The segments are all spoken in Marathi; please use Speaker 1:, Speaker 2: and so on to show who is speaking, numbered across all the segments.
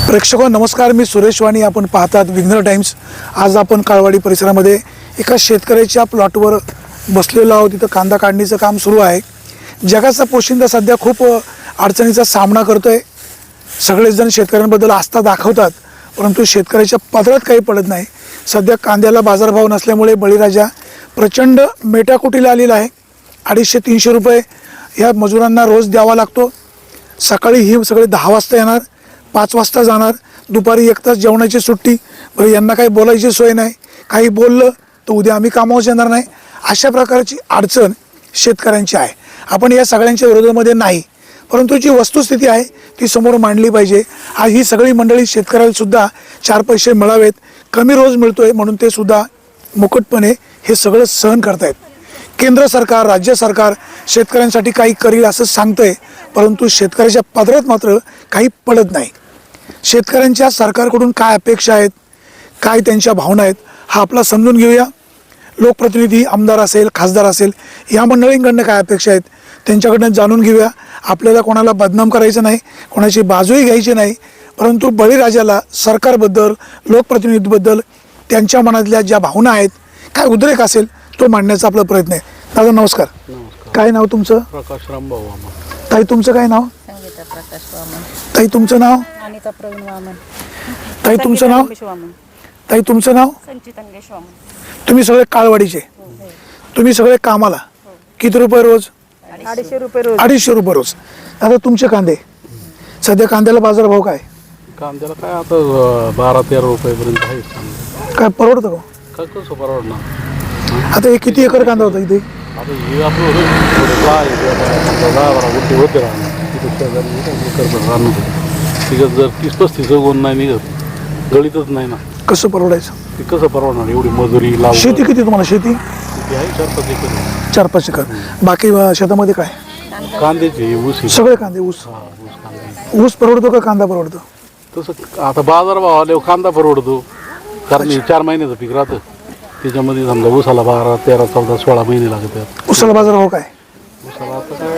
Speaker 1: प्रेक्षक नमस्कार, मी सुरेश वाणी. आपण पाहतात विघ्नर टाइम्स. आज आपण काळवाडी परिसरामध्ये एका शेतकऱ्याच्या प्लॉटवर बसलेलो आहोत. तिथं कांदा काढणीचं काम सुरू आहे. जगाचा पोशिंदा सध्या खूप अडचणीचा सामना करतोय. सगळेच जण शेतकऱ्यांबद्दल आस्था दाखवतात, परंतु शेतकऱ्याच्या पदरात काही पडत नाही. सध्या कांद्याला बाजारभाव नसल्यामुळे बळीराजा प्रचंड मेटाकुटीला आलेला आहे. 250-300 रुपये ह्या मजुरांना रोज द्यावा लागतो. सकाळी ही सगळे 10 वाजता येणार, 5 वाजता जाणार, दुपारी 1 तास जेवणाची सुट्टी. बरं, यांना काही बोलायची सोय नाही. काही बोललं तर उद्या आम्ही कामावर येणार नाही. अशा प्रकारची अडचण शेतकऱ्यांची आहे. आपण या सगळ्यांच्या विरोधामध्ये नाही, परंतु जी वस्तुस्थिती आहे ती समोर मांडली पाहिजे. आज ही सगळी मंडळी शेतकऱ्याला सुद्धा 4 पैसे मिळावेत, कमी रोज मिळतोय म्हणून ते सुद्धा मुकुटपणे हे सगळं सहन करतायत. केंद्र सरकार, राज्य सरकार शेतकऱ्यांसाठी काही करील असं सांगतंय, परंतु शेतकऱ्याच्या पदरात मात्र काही पडत नाही. शेतकऱ्यांच्या सरकारकडून काय अपेक्षा आहेत, काय त्यांच्या भावना आहेत, हा आपला समजून घेऊया. लोकप्रतिनिधी, आमदार असेल, खासदार असेल, या मंडळींकडनं काय अपेक्षा आहेत त्यांच्याकडनं जाणून घेऊया. आपल्याला कोणाला बदनाम करायचं नाही, कोणाची बाजूही घ्यायची नाही, परंतु बळीराजाला सरकारबद्दल, लोकप्रतिनिधीबद्दल त्यांच्या मनातल्या ज्या भावना आहेत, काय उद्रेक असेल तो मांडण्याचा आपला प्रयत्न आहे. दादा नमस्कार. काय नाव तुमचं?
Speaker 2: प्रकाश रामभाऊ वामन.
Speaker 1: ताई तुमचं काय नाव?
Speaker 3: संगीता प्रकाश वामन.
Speaker 1: ताई तुमचं नाव?
Speaker 3: अनिता प्रवीण वामन.
Speaker 1: ताई तुमचं नाव?
Speaker 3: वामन.
Speaker 1: ताई तुमचं नाव?
Speaker 3: संचित अंगेश वामन.
Speaker 1: तुम्ही सगळे काळवाडीचे, तुम्ही सगळे कामाला. किती रुपये रोज?
Speaker 3: 250 रुपये रोज.
Speaker 1: 250 रुपये रोज. आता तुमचे कांदे, सध्या कांद्याला बाजारभाव काय?
Speaker 2: कांद्याला काय आता 12-13 रुपयेपर्यंत आहे कांदा.
Speaker 1: काय परवडतं का?
Speaker 2: काय कसं परवडणार?
Speaker 1: आता हे किती एकर कांदा होता इथे?
Speaker 2: आता हे आपलं थोडं 10-12 गुंठे होते राहणार तिथं शेजारी राहणार. तिथं जर 30-35 गुण नाही निघत, गळीतच नाही ना.
Speaker 1: कसं परवडायचं?
Speaker 2: ते कसं परवडणार? एवढी मजुरी लावून.
Speaker 1: शेती किती तुम्हाला? शेती
Speaker 2: किती आहे? 4-5 एकर.
Speaker 1: 4-5 एकर. बाकी शेतामध्ये काय?
Speaker 2: कांद्याची ऊस आहे.
Speaker 1: सगळे कांदे. ऊस.
Speaker 2: हा, ऊस कांदा.
Speaker 1: ऊस परवडतो का कांदा परवडतो?
Speaker 2: तसं आता बाजारभाव आल्यावर कांदा परवडतो, कारण हे 4 महिन्याचं पीक राहतं. त्याच्यामध्ये समजा ऊसाला 12, 13, 14, 16 महिने लागतात.
Speaker 1: ऊसाला बाजारभाव काय?
Speaker 2: ऊसाला आता काय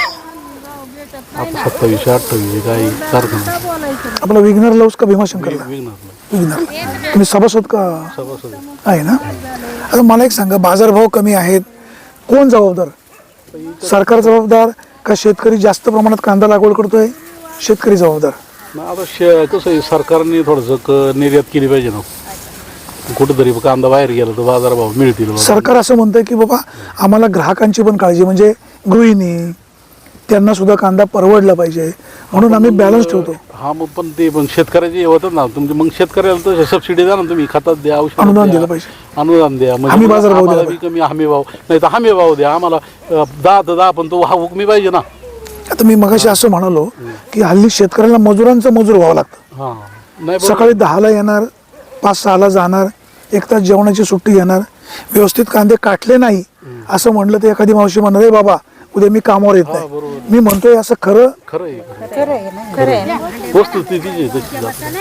Speaker 2: आता 27-28 काही सारखं नाही.
Speaker 1: आपला विघ्नरला ऊस का भीमाशंकरला?
Speaker 2: विघ्नरला.
Speaker 1: विघ्नरला. तुम्ही सभासद का
Speaker 2: सभासद
Speaker 1: आहे ना? आता मला एक सांगा, बाजारभाव कमी आहेत, कोण जबाबदार? सरकार जबाबदार का शेतकरी जास्त प्रमाणात कांदा लागवड करतोय? शेतकरी जबाबदार.
Speaker 2: आता कसं आहे, सरकारने थोडंसं निर्यात केली पाहिजे ना. कुठंतरी कांदा बाहेर गेला तर बाजारभाव मिळतील.
Speaker 1: सरकार असं म्हणतंय की बाबा आम्हाला ग्राहकांची पण काळजी, म्हणजे गृहिणी त्यांना सुद्धा कांदा परवडला पाहिजे म्हणून आम्ही बॅलन्स ठेवतो.
Speaker 2: हा, मग पण शेतकऱ्याचे होतात ना. तुमचे मग शेतकऱ्याला तर सबसिडी द्या ना, तुम्ही खतात द्या, औषध
Speaker 1: अनुदान दिलं पाहिजे.
Speaker 2: अनुदान द्या.
Speaker 1: हमी बाजारभाव द्या.
Speaker 2: आम्हाला कमी हमी भाव नाही तर हमी भाव द्या आम्हाला. 10 तर 10, पण तो हा हुकमी पाहिजे ना.
Speaker 1: आता मी मगाशी असं म्हणालो की हल्ली शेतकऱ्याला मजुरांचं मजूर व्हावं लागतं.
Speaker 2: हा, नाही
Speaker 1: सकाळी 10ला येणार, 5-6ला जाणार, 1 तास जेवणाची सुट्टी घेणार. व्यवस्थित कांदे काटले नाही असं म्हणलं तर एखादी मावशी म्हणणार, रे बाबा उद्या मी कामावर येत नाही. मी म्हणतोय असं खरं?
Speaker 2: खरं आहे.
Speaker 3: खरं आहे ना.
Speaker 2: वस्तुस्थिती जी आहे तशी जाते.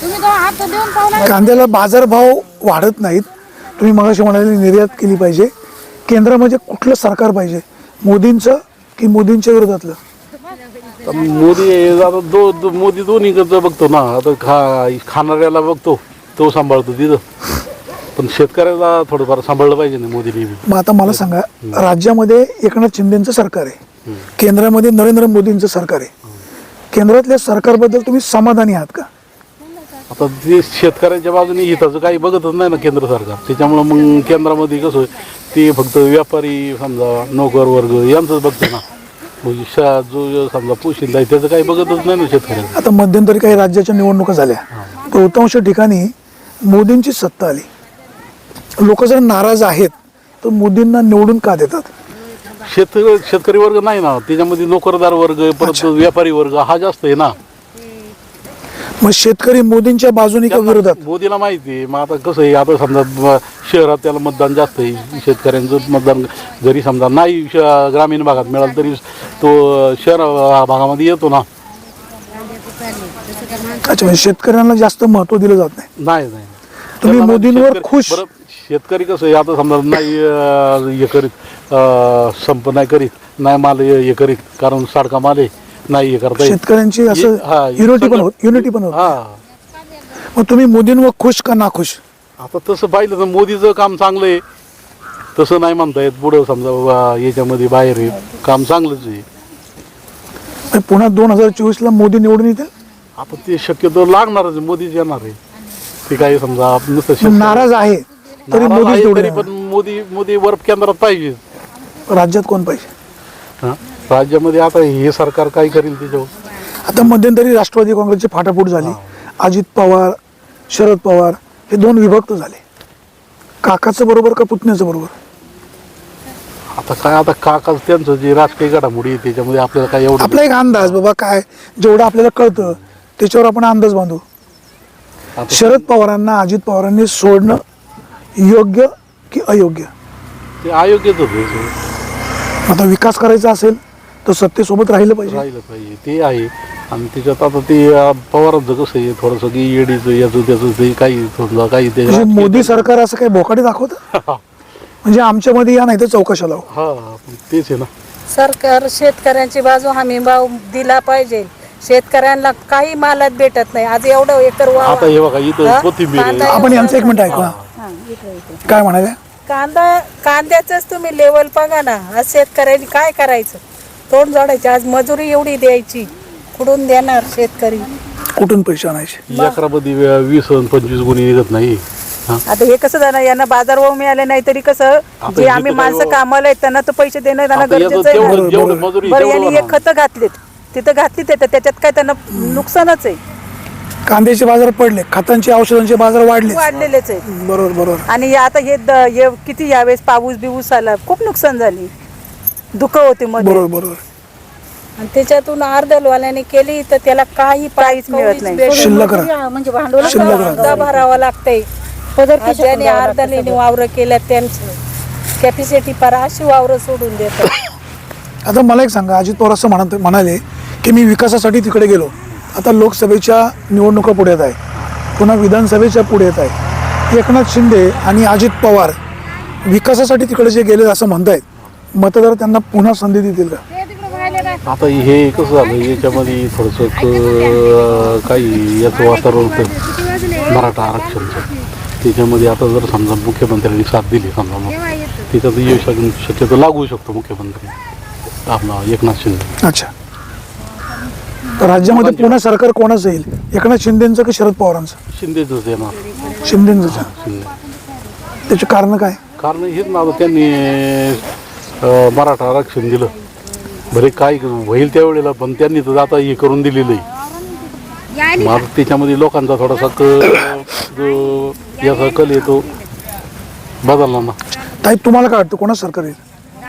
Speaker 1: कांद्याला बाजारभाव वाढत नाहीत. तुम्ही मगाशी म्हणाले निर्यात केली पाहिजे. केंद्रामध्ये कुठलं सरकार पाहिजे, मोदींचं की मोदींच्या विरोधातलं?
Speaker 2: मोदी आता मोदी दोन्हीकडचं बघतो ना. आता खाणाऱ्याला बघतो, तो सांभाळतो तिथं, पण शेतकऱ्याला थोडंफार सांभाळलं पाहिजे ना मोदीने.
Speaker 1: मग आता मला सांगा, राज्यामध्ये एकनाथ शिंदेचं सरकार आहे, केंद्रामध्ये नरेंद्र मोदींचं सरकार आहे. केंद्रातल्या सरकारबद्दल तुम्ही समाधानी आहात का?
Speaker 2: आता ते शेतकऱ्यांच्या बाजूने हिताचं काही बघतच नाही ना केंद्र सरकार. त्याच्यामुळं मग केंद्रामध्ये कसं ते फक्त व्यापारी समजा नोकर वर्ग यांचंच बघतं ना. म्हणजे जो समजा पोशिंदा आहे त्याचं काही बघतच नाही ना शेतकऱ्यांना.
Speaker 1: आता मध्यंतरी काही राज्याच्या निवडणुका झाल्या, बहुतांश ठिकाणी मोदींची सत्ता आली. लोक जर नाराज आहेत तर मोदींना निवडून का देतात?
Speaker 2: शेतकरी वर्ग नाही ना त्याच्यामध्ये, नोकरदार वर्ग, परत व्यापारी वर्ग हा जास्त आहे ना.
Speaker 1: मग शेतकरी मोदींच्या बाजूने का विरोधात?
Speaker 2: मोदीला माहिती आहे. मग आता कसं आहे, आता समजा शहरात त्याला मतदान जास्त आहे. शेतकऱ्यांचं मतदान जरी समजा नाही ग्रामीण भागात मिळालं तरी तो शहर भागामध्ये येतो ना.
Speaker 1: अच्छा, म्हणजे शेतकऱ्यांना जास्त महत्व दिलं जात नाही.
Speaker 2: नाही.
Speaker 1: तुम्ही मोदींवर खुश?
Speaker 2: शेतकरी कसं आहे, आता समजा नाही हे करीत, संप नाही करीत, नाही माल हे करीत, कारण साडका माल आहे नाही हे करता येत.
Speaker 1: शेतकऱ्यांची असं
Speaker 2: हा,
Speaker 1: युनिटी पण
Speaker 2: सगळं-
Speaker 1: होत युनिटी पण होत
Speaker 2: हा
Speaker 1: मग तुम्ही मोदींवर खुश का नाखुश?
Speaker 2: आता तसं पाहिलं तर मोदीचं काम चांगलं आहे, तसं नाही म्हणता येत. पुढं समजा बाबा याच्यामध्ये बाहेर आहे काम चांगलंच आहे.
Speaker 1: आणि पुन्हा 2024 मोदी निवडून येतील.
Speaker 2: आता ते शक्यतो लागणारच आहे, मोदीच येणार आहे. ते काही समजा आपण नुसतं
Speaker 1: पण
Speaker 2: शेतकरी-
Speaker 1: नाराज आहे तरी
Speaker 2: नाराज
Speaker 1: मोदीच
Speaker 2: आहे
Speaker 1: निवडून
Speaker 2: तरी पण
Speaker 1: येणार.
Speaker 2: मोदी वर केंद्रात पाहिजे.
Speaker 1: राज्यात कोण पाहिजे?
Speaker 2: हा? राज्यामध्ये आता हे सरकार काय करेल त्याच्यावर.
Speaker 1: आता मध्यंतरी राष्ट्रवादी काँग्रेसची फाटाफूट झाली. अजित पवार शरद पवार हे दोन विभक्त झाले. काकाचं बरोबर का पुतण्याचं बरोबर?
Speaker 2: आता काय आता काकाच त्यांचं जे राजकीय घडामोडी आहे त्याच्यामध्ये आपल्याला काय एवढं
Speaker 1: आपला एक अंदाज बाबा काय जेवढं आपल्याला कळतं त्याच्यावर आपण अंदाज बांधू.
Speaker 2: आता
Speaker 1: शरद पवारांना अजित पवारांनी सोडणं योग्य की अयोग्य?
Speaker 2: ते अयोग्यच होतं.
Speaker 1: आता विकास करायचा असेल तर सत्तेसोबत राहिलं पाहिजे.
Speaker 2: राहिलं पाहिजे ते आहे. आणि त्याच्यात आता ते पवारांचं कसं आहे थोडंसं की ईडीचं याचं त्याचं ते काही थोडं काही ते
Speaker 1: म्हणजे मोदी सरकार असं काही भोकाडी दाखवतं म्हणजे आमच्यामध्ये या नाही तर चौकशा लावू.
Speaker 2: हा तेच आहे ना.
Speaker 3: सरकार शेतकऱ्यांची बाजू हमी भाव दिला पाहिजे. शेतकऱ्यांना काही मालात भेटत नाही. आज एवढं एकर वावर-
Speaker 2: आता हे बघा इथं
Speaker 3: हा?
Speaker 2: कोथिंबीर आहे.
Speaker 3: कांदा
Speaker 1: आपण यांचं एक मिनिट ऐकू ना.
Speaker 3: हा, इथे.
Speaker 1: काय म्हणाले?
Speaker 3: कांद्याच तुम्ही लेवल बघा ना. आज शेतकऱ्यांनी काय करायचं? तोंड जोडायचे. आज मजुरी एवढी द्यायची, कुठून देणार शेतकरी?
Speaker 1: कुठून पैसे आणायचे?
Speaker 2: एकरामध्ये 20 आणि 25 गुणी निघत नाही. हा?
Speaker 3: आता हे कसं झालं, यांना बाजारभाव मिळाले नाही तरी कसं
Speaker 2: आता
Speaker 3: जे
Speaker 2: हे
Speaker 3: आम्ही
Speaker 2: तर
Speaker 3: माणसं
Speaker 2: काय-
Speaker 3: कामाला आहेत त्यांना तर पैसे देणं त्यांना
Speaker 2: आता याचं
Speaker 3: गरजेचं आहे
Speaker 2: तेवढं
Speaker 3: ना.
Speaker 2: जेवढं मजुरी
Speaker 3: बरं,
Speaker 2: तेवढं
Speaker 3: यांनी एक
Speaker 2: होणार.
Speaker 3: खतं घातलीत, तिथं घातलीत तर त्याच्यात काय त्यांना नुकसानच आहे.
Speaker 1: कांद्याचे बाजार पडले, खतांचे औषधांचे बाजार वाढले.
Speaker 3: वाढलेलेच आहे.
Speaker 1: बरोबर.
Speaker 3: आणि आता हे किती यावेळेस पाऊस बिऊस आला, खूप नुकसान झाली, दुःख होते मध्ये.
Speaker 1: बरोबर.
Speaker 3: आणि त्याच्यातून अर्धलवाल्याने केली तर त्याला काही काहीच मिळत नाही.
Speaker 1: शिल्लक राहा.
Speaker 3: म्हणजे भांडवल
Speaker 1: शिल्लक राहतं.
Speaker 3: सुद्धा भरावं लागतंय. ज्यांनी अर्धलेली वावरं केल्या त्यांचं कॅपॅसिटी पार अशी वावरं सोडून देतात.
Speaker 1: आता मला एक सांगा, अजित पवार असं म्हणाले की मी विकासासाठी तिकडे गेलो. आता लोकसभेच्या निवडणुका पुढे येत आहे, पुन्हा विधानसभेच्या पुढे येत आहे. एकनाथ शिंदे आणि अजित पवार विकासासाठी तिकडे जे गेले असं म्हणतायत, मतदार त्यांना पुन्हा संधी देतील का?
Speaker 2: आता हे कसं झालं याच्यामध्ये थोडंसं काही याचं वातावरण होतं मराठा आरक्षणचं. त्याच्यामध्ये आता जर समजा मुख्यमंत्र्यांनी साथ दिली समजा मग त्याच्यात येऊ शक्यतो लागू शकतो मुख्यमंत्री आपला एकनाथ शिंदे.
Speaker 1: अच्छा, तर राज्यामध्ये पुन्हा सरकार कोणाचं येईल? एकनाथ शिंदेचं की शरद पवारांचं?
Speaker 2: शिंदेच येणार.
Speaker 1: शिंदेचं.
Speaker 2: शिंदे
Speaker 1: त्याचे कारण काय?
Speaker 2: कारण हेच ना आता त्यांनी मराठा आरक्षण दिलं. बरे काय होईल त्यावेळेला पण त्यांनी तर आता हे करून दिलेलं आहे. मग आता त्याच्यामध्ये लोकांचा थोडासा जो याचा कल येतो बदलला ना.
Speaker 1: ताई तुम्हाला काय वाटतं कोणाचं सरकार येईल?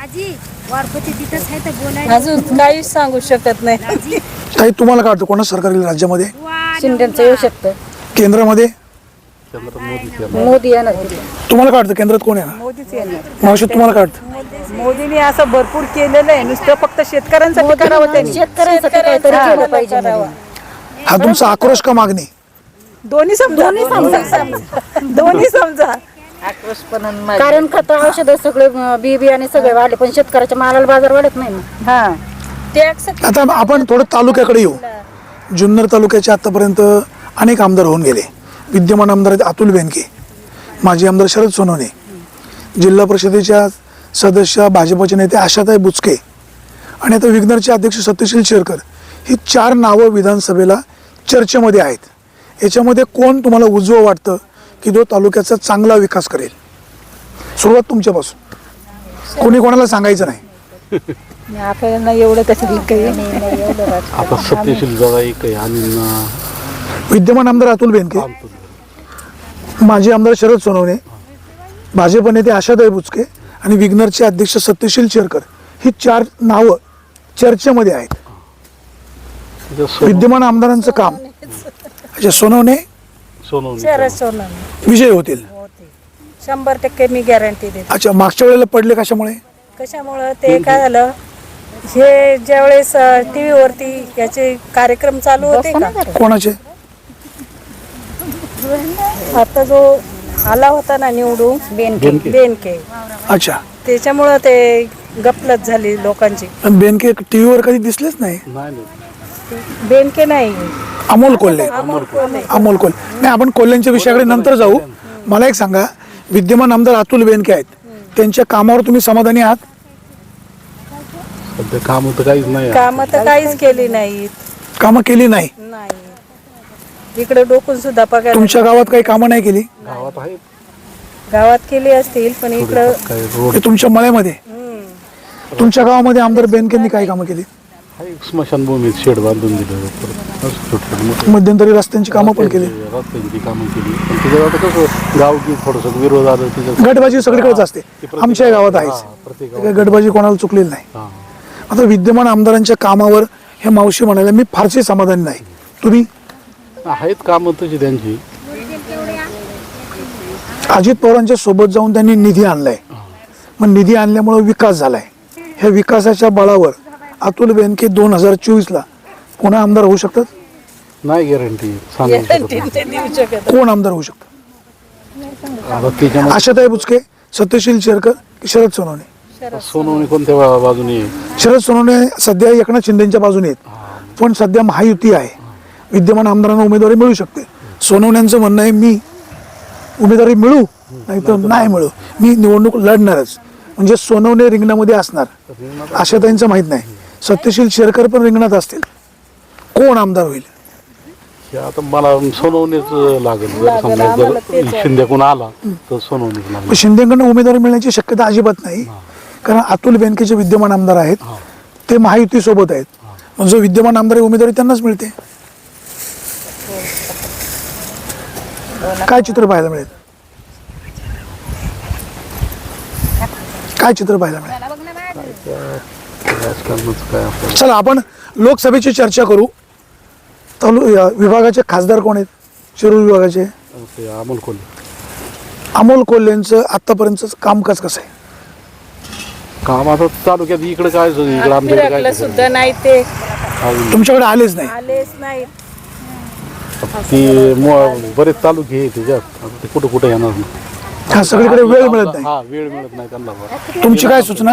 Speaker 3: अजून काहीच सांगू शकत नाही.
Speaker 1: ताई तुम्हाला काय वाटतं कोणाचं सरकार येईल राज्यामध्ये?
Speaker 3: शिंदेचं येऊ शकतं.
Speaker 1: केंद्रामध्ये
Speaker 2: चंद्र मोदीच येणार.
Speaker 3: मोदी येणार.
Speaker 1: तुम्हाला काय वाटतं केंद्रात कोण येणार?
Speaker 3: मोदीच येणार.
Speaker 1: मावशी तुम्हाला काय वाटतं?
Speaker 3: मोदीने असं भरपूर केलेलं आहे. नुसतं फक्त शेतकऱ्यांसाठी करावं त्यांनी.
Speaker 4: शेतकऱ्यांसाठी काहीतरी
Speaker 3: हा,
Speaker 4: केलं पाहिजे
Speaker 3: करावं.
Speaker 1: हा तुमचा आक्रोश का मागणी?
Speaker 3: दोन्ही समजा. दोन्ही समजा.
Speaker 4: कारण खत औषध सगळे बी बियाणे सगळे वाढले पण शेतकऱ्याच्या मालाला बाजार वाढत नाही ना.
Speaker 3: हा, टॅक्स
Speaker 1: आता आपण थोडं तालुक्याकडे येऊ. जुन्नर तालुक्याचे आतापर्यंत अनेक आमदार होऊन गेले. विद्यमान आमदार आहेत अतुल बेनके, माजी आमदार शरद सोनवणे, जिल्हा परिषदेच्या सदस्य भाजपचे नेते आशाताई बुचके आणि आता विघ्नरचे अध्यक्ष सत्यशील शेरकर. ही 4 नावं विधानसभेला चर्चेमध्ये आहेत. याच्यामध्ये कोण तुम्हाला उजवं वाटतं की जो तालुक्याचा चांगला विकास करेल? सुरुवात तुमच्यापासून. कोणी कोणाला सांगायचं नाही.
Speaker 3: आपल्याला एवढं त्याच्यातलं काही
Speaker 2: आता सत्यशील दादा एक आहे आणि
Speaker 1: विद्यमान आमदार अतुल बेनके, माजी आमदार शरद सोनवणे, भाजप नेते आशाताई बुचके आणि विघ्नरचे अध्यक्ष सत्यशील शेरकर. ही 4 नावं चर्चेमध्ये आहेत. विद्यमान आमदारांचं काम. अच्छा, सोनवणे
Speaker 3: शरद सोनवणे
Speaker 1: विजय होतील.
Speaker 3: 100% मी गॅरंटी देते.
Speaker 1: अच्छा, मागच्या वेळेला पडले कशामुळे?
Speaker 3: कशामुळं ते काय झालं, हे ज्यावेळेस टीव्ही वरती याचे कार्यक्रम चालू होते का,
Speaker 1: कोणाचे?
Speaker 3: आता जो आला होता ना निवडून बेनके,
Speaker 1: अच्छा,
Speaker 3: त्याच्यामुळं ते गपलत झाली लोकांची.
Speaker 1: पण बेनके टीव्हीवर कधी दिसलेच नाही.
Speaker 3: बेनके नाही,
Speaker 1: अमोल कोल्हे
Speaker 3: अमोल कोल्हे.
Speaker 1: अमोल कोल्हे नाही, आपण कोल्ह्यांच्या विषयाकडे नंतर जाऊ. मला एक सांगा, विद्यमान आमदार अतुल बेनके आहेत, त्यांच्या कामावर तुम्ही समाधानी आहात?
Speaker 2: सध्या काम तर काहीच नाही.
Speaker 3: कामं तर काहीच केली नाहीत.
Speaker 1: कामं केली नाही.
Speaker 3: नाही, इकडे डोकून सुद्धा पगार
Speaker 1: तुमच्या गावात काही कामं नाही केली?
Speaker 2: गावात आहे
Speaker 3: गावात केली असतील, पण इकडं
Speaker 2: काय रोड
Speaker 1: ते तुमच्या मळ्यामध्ये. तुमच्या गावामध्ये आमदार बेनकेंनी काय कामं केली?
Speaker 2: आहे, स्मशानभूमीत शेड बांधून दिलं, परत असं छोटे मोठे
Speaker 1: मध्यंतरी रस्त्यांची कामं पण केली.
Speaker 2: रस्त्यांची कामं केली. पण त्याच्यावर आता कसं गाव की थोडंसं विरोध आलं त्याच्यात.
Speaker 1: गटबाजी सगळीकडेच असते, आमच्या गावात आहेच.
Speaker 2: प्रत्येक
Speaker 1: काही गटबाजी कोणाला चुकलेली नाही.
Speaker 2: हां
Speaker 1: आता विद्यमान आमदारांच्या कामावर हे मावशी म्हणाले मी फारसे समाधानी नाही. तुम्ही?
Speaker 2: आहेत कामं तशी त्यांची.
Speaker 1: अजित पवारांच्या सोबत जाऊन त्यांनी निधी आणलाय. मग निधी आणल्यामुळे विकास झालाय. ह्या विकासाच्या बळावर अतुल बेनके 2024ला पुन्हा आमदार होऊ शकतात?
Speaker 2: नाही गॅरंटी सांगू शकत नाही.
Speaker 3: ते देऊ शकत.
Speaker 1: कोण आमदार होऊ शकतं?
Speaker 2: आता त्याच्यामध्ये
Speaker 1: आशाताई बुचके, सत्यशील शेरकर की शरद सोनवणे?
Speaker 2: सोनवणे कोणत्या बाजूने आहे?
Speaker 1: शरद सोनवणे सध्या एकनाथ शिंदेच्या बाजूने आहेत, पण सध्या महायुती आहे. विद्यमान आमदारांना उमेदवारी मिळू शकते. सोनवण्यांचं म्हणणं आहे मी उमेदवारी मिळू नाही तर नाही मिळू, मी निवडणूक लढणारच. म्हणजे सोनवणे रिंगणामध्ये असणार. आशाताईंचं माहीत नाही. सत्यशील शेरकर पण रिंगणात असतील. कोण आमदार होईल?
Speaker 2: हे आता मला सोनवणेच लागेल. जर समजा जर शिंदेकडून आला तर सोनवणेच लागेल.
Speaker 1: पण शिंदेकडनं उमेदवारी मिळण्याची शक्यता अजिबात नाही, कारण अतुल बेनके जे विद्यमान आमदार आहेत ते महायुती सोबत आहेत. मग जो विद्यमान आमदार आहे उमेदवारी त्यांनाच मिळते. काय चित्र पाहायला मिळेल? काय चित्र पाहायला मिळेल?
Speaker 2: राजकारणाचं काय आपल्याला
Speaker 1: चला आपण लोकसभेची चर्चा करू. विभागाचे खासदार कोण आहेत? शिरूर विभागाचे
Speaker 2: ते अमोल कोल्हे.
Speaker 1: अमोल कोल्हेंचं आतापर्यंतच कामकाज कसं आहे?
Speaker 2: काम आता तालुक्यात इकडे काय इकडे आमच्याकडे
Speaker 3: फिरकलं
Speaker 2: काय
Speaker 3: सुद्धा नाही, ते
Speaker 1: तुमच्याकडे आलेच नाही.
Speaker 3: आलेच नाही.
Speaker 2: ती बरेच तालुके आहे त्याच्यात. आता ते कुठं कुठं येणार नाही.
Speaker 1: हा, सगळीकडे वेळ मिळत नाही.
Speaker 2: हा वेळ मिळत नाही त्यांना.
Speaker 1: तुमची काय सूचना?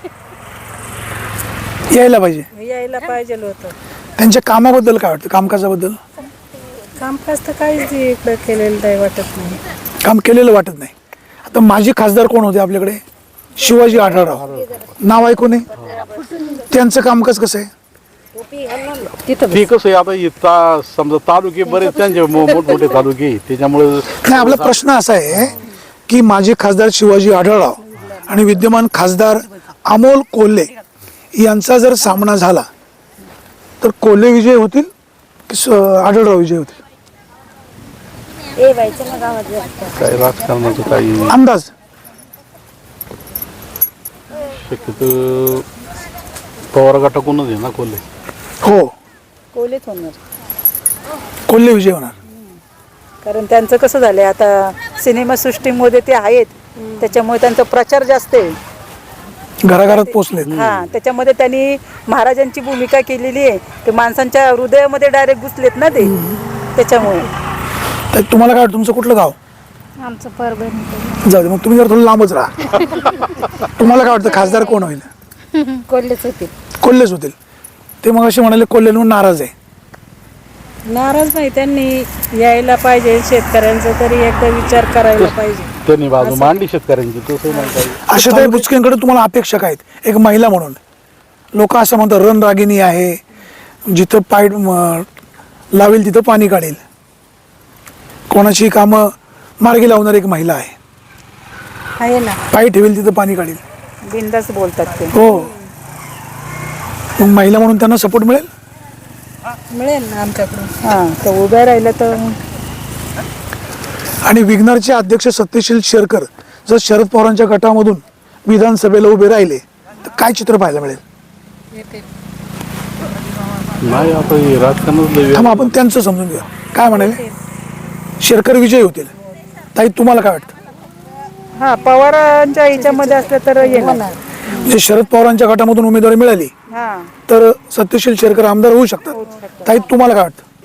Speaker 1: यायला पाहिजे.
Speaker 3: यायला पाहिजे होतं.
Speaker 1: त्यांच्या कामाबद्दल काय वाटतं? कामकाजाबद्दल?
Speaker 3: कामकाज तर काहीच इकडं केलेलं नाही वाटत नाही.
Speaker 1: काम केलेलं वाटत नाही. आता माजी खासदार कोण होते आपल्याकडे? शिवाजी आढळराव नाव ऐकून त्यांचं कामकाज कसं आहे?
Speaker 2: ते कसं आहे आता समजा तालुके बरेच त्यांचे मोठमोठे तालुके आहे, त्याच्यामुळे
Speaker 1: नाही, आपला प्रश्न असा आहे की माजी खासदार शिवाजी आढळराव आणि विद्यमान खासदार अमोल कोल्हे यांचा जर सामना झाला तर कोल्हे विजय होतील की आढळराव विजय होतील?
Speaker 2: काय राजकारणाचं काही
Speaker 1: अंदाज?
Speaker 2: शक्यतो पवार गटाकडूनच आहे ना कोल्हे.
Speaker 1: हो,
Speaker 3: कोलेच होणार.
Speaker 1: कोल्हे विजय होणार.
Speaker 3: कारण त्यांचं कसं झालंय आता सिनेमा सृष्टीमध्ये ते आहेत, त्याच्यामुळे त्यांचा प्रचार जास्त आहे.
Speaker 1: घराघरात पोचलेत.
Speaker 3: हा, त्याच्यामध्ये त्यांनी महाराजांची भूमिका केलेली आहे. ते माणसांच्या हृदयामध्ये डायरेक्ट घुसलेत ना ते, त्याच्यामुळे.
Speaker 1: तर तुम्हाला काय वाटतं? तुमचं कुठलं गाव?
Speaker 4: आमचं परभणी.
Speaker 1: जाऊ दे, मग तुम्ही जर थोडं लांबच राहा. तुम्हाला काय वाटतं खासदार कोण होईल?
Speaker 4: कोल्हेच होते.
Speaker 1: कोल्हेच होतील. ते मग असे म्हणाले कोल्हेंवर नाराज आहे.
Speaker 3: नाराज नाही, त्यांनी यायला पाहिजे. शेतकऱ्यांचा तरी एकदा विचार करायला पाहिजे.
Speaker 2: त्यांनी बाजू मांडली शेतकऱ्यांची, तसं नाही काही.
Speaker 1: आशाताई बुचकेंकडे तुम्हाला अपेक्षा काय आहेत? एक महिला म्हणून लोक असं म्हणतात रणरागिणी आहे, जिथं पाय लावेल तिथं पाणी काढेल, कोणाची कामं मार्गी लावणारी एक महिला आहे
Speaker 3: ना.
Speaker 1: पाय ठेवेल तिथं पाणी काढेल.
Speaker 3: बिंदास बोलतात ते.
Speaker 1: हो, मग महिला म्हणून त्यांना सपोर्ट मिळेल?
Speaker 3: मिळेल ना आमच्याकडून. हा, तर उभ्या राहिलं तर.
Speaker 1: आणि विघ्नरचे अध्यक्ष सत्यशील शेरकर जर शरद पवारांच्या गटामधून विधानसभेला उभे राहिले तर काय चित्र पाहायला मिळेल?
Speaker 2: नाही आता हे राजकारणाचं
Speaker 1: थांबा, आपण त्यांचं समजून घ्या. काय म्हणाले? शेरकर विजय होतील. ताई तुम्हाला काय वाटतं?
Speaker 3: हा, पवारांच्या ह्याच्यामध्ये असलं तर येणार.
Speaker 1: म्हणजे शरद पवारांच्या गटामधून उमेदवारी मिळाली
Speaker 3: हा,
Speaker 1: तर सत्यशील शेरकर आमदार होऊ शकतात. ताई तुम्हाला काय वाटतं?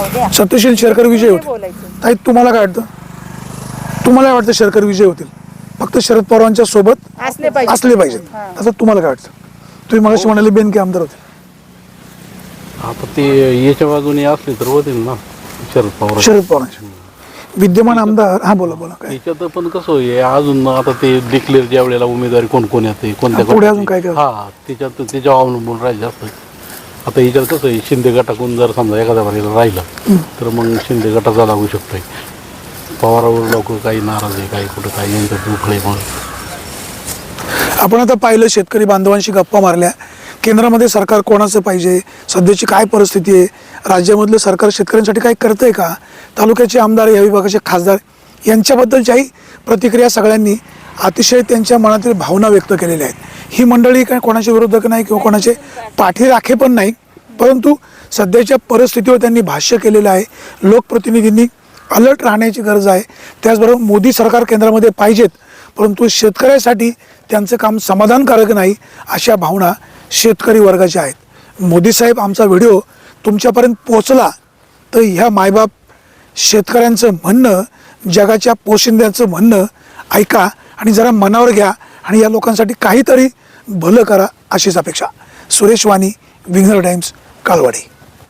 Speaker 1: सत्यशील शेरकर विजय होतील.
Speaker 3: बोलायचं.
Speaker 1: ताई तुम्हाला काय वाटतं? तुम्हाला काय वाटतं शेरकर विजय होतील? फक्त शरद पवारांच्या सोबत
Speaker 3: असले पाहिजे.
Speaker 1: असले पाहिजेत. असं तुम्हाला काय वाटतं? तुम्ही मगाशी म्हणाले बेनके आमदार होते.
Speaker 2: आता ते याच्या बाजूने असले तर होतील ना शरद पवार.
Speaker 1: शरद पवारांचे विद्यमान आमदार. हा बोला बोला काय
Speaker 2: याच्यात पण कसं आहे अजून आता ते डिक्लेअर ज्या वेळेला उमेदवारी कोण कोण येते कोणत्या
Speaker 1: पुढे अजून काय काय?
Speaker 2: हा त्याच्यावर अवलंबून राहायचं असतं. आता याच्यात कसं आहे शिंदे गटाकडून जर समजा एखाद्या बारीला राहिलं तर मग शिंदे गटाचा लागू शकतोय. पवारावर लोक काही नाराज आहे काही कुठं काही यांच्यात दुखळे म्हणून.
Speaker 1: आपण आता पाहिलं शेतकरी बांधवांशी गप्पा मारल्या. केंद्रामध्ये सरकार कोणाचं पाहिजे, सध्याची काय परिस्थिती आहे, राज्यामधलं सरकार शेतकऱ्यांसाठी काय करतंय का, तालुक्याचे आमदार या विभागाचे खासदार यांच्याबद्दलच्याही प्रतिक्रिया सगळ्यांनी अतिशय त्यांच्या मनातील भावना व्यक्त केलेल्या आहेत. ही मंडळी काय कोणाचे विरोधक नाही किंवा कोणाचे पाठीराखे पण नाही, परंतु सध्याच्या परिस्थितीवर त्यांनी भाष्य केलेलं आहे. लोकप्रतिनिधींनी अलर्ट राहण्याची गरज आहे. त्याचबरोबर मोदी सरकार केंद्रामध्ये पाहिजेत, परंतु शेतकऱ्यासाठी त्यांचं काम समाधानकारक नाही अशा भावना शेतकरी वर्गाच्या आहेत. मोदी साहेब आमचा व्हिडिओ तुमच्यापर्यंत पोहोचला तर ह्या मायबाप शेतकऱ्यांचं म्हणणं, जगाच्या पोशिंद्याचं म्हणणं ऐका आणि जरा मनावर घ्या आणि या लोकांसाठी काहीतरी भलं करा अशीच अपेक्षा. सुरेश वाणी, विघ्नर टाइम्स, काळवाडी.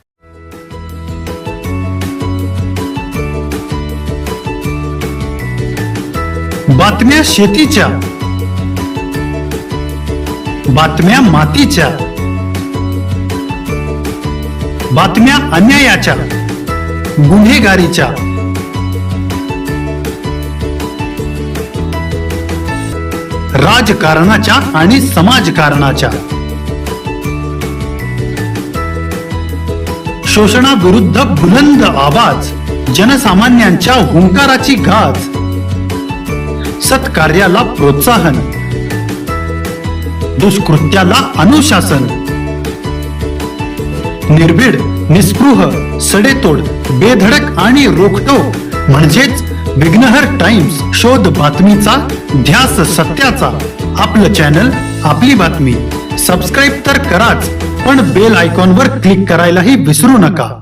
Speaker 5: बातम्या शेतीच्या, बातम्या मातीच्या, बातम्या अन्यायाच्या, गुन्हेगारीच्या, राजकारणाच्या आणि समाजकारणाच्या, शोषणाविरुद्ध बुलंद आवाज, जनसामान्यांच्या हुंकाराची गाज, सत्कार्याला प्रोत्साहन, दुष्कृत्याला अनुशासन, निर्भीड, निस्पृह, सडेतोड, बेधडक आणि रोखटोक म्हणजेच विघ्नहर टाइम्स. शोध बातमीचा, ध्यास सत्याचा. आपलं चॅनल, आपली बातमी. सबस्क्राईब तर कराच, पण बेल आयकॉनवर क्लिक करायलाही विसरू नका.